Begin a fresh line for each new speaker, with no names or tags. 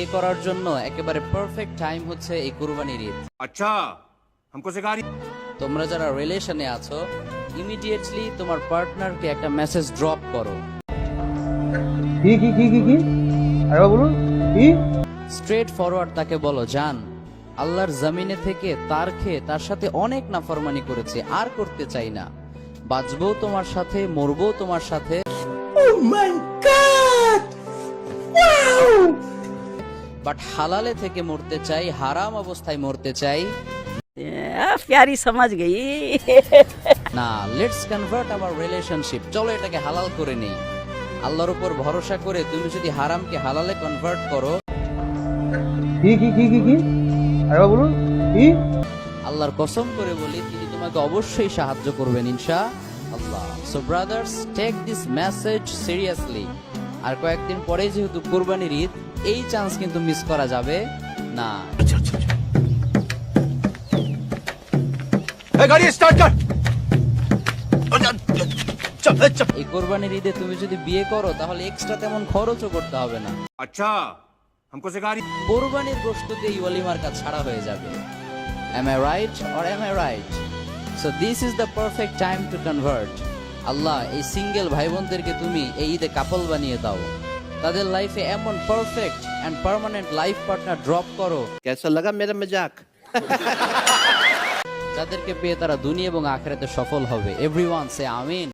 বিয়ে করার জন্য একেবারে পারফেক্ট টাইম হচ্ছে এই কুরবানির ঈদ।
अच्छा हमको सिखा रही।
তোমরা যারা রিলেশনে আছো, ইমিডিয়েটলি তোমার পার্টনারকে একটা মেসেজ ড্রপ করো।
কি আরে বলুন কি?
স্ট্রেট ফরওয়ার্ড তাকে বলো, জান, আল্লাহর জমিনে থেকে তার খেয়ে তার সাথে অনেক নাফরমানি করেছে, আর করতে চাই না। বাঁচবো তোমার সাথে, মরবো তোমার সাথে। বাট হালালে থেকে মরতে চাই, হারাম অবস্থায় মরতে চাই
प्यारी समझ गई।
না। লেটস কনভার্ট আওয়ার রিলেশনশিপ, চলো এটাকে হালাল করে নেই। আল্লাহর উপর ভরসা করে তুমি যদি হারামকে হালালে কনভার্ট করো,
কি আরে বলুন কি?
আল্লাহর কসম করে বলি, তিনি তোমাকে অবশ্যই সাহায্য করবেন ইনশাআল্লাহ। So brothers, take this message seriously. আর কয়েকদিন পরে যেহেতু কুরবানির ঈদ, এই চান্স কিন্তু মিস করা যাবে না।
गाड़ी स्टार्ट कर।
এই কোরবানির ঈদে তুমি যদি বিয়ে করো, তাহলে এক্সট্রা তেমন খরচও করতে হবে না।
अच्छा हमको सिखा रही।
কোরবানির গোশত দিয়ে এই ওয়ালিমার কাজ ছাড়া হয়ে যাবে। Am I right or am I right? So this is the perfect time to convert. আল্লাহ এই সিঙ্গেল ভাই বোনদেরকে তুমি এই ঈদে কাপল বানিয়ে দাও। তাদের লাইফে এমন perfect and permanent life partner drop করো,
कैसा लगा मेरा मजाक?
যাদেরকে পেয়ে তারা দুনিয়া এবং আখিরাতে সফল হবে। এভরিওয়ান সে আমিন।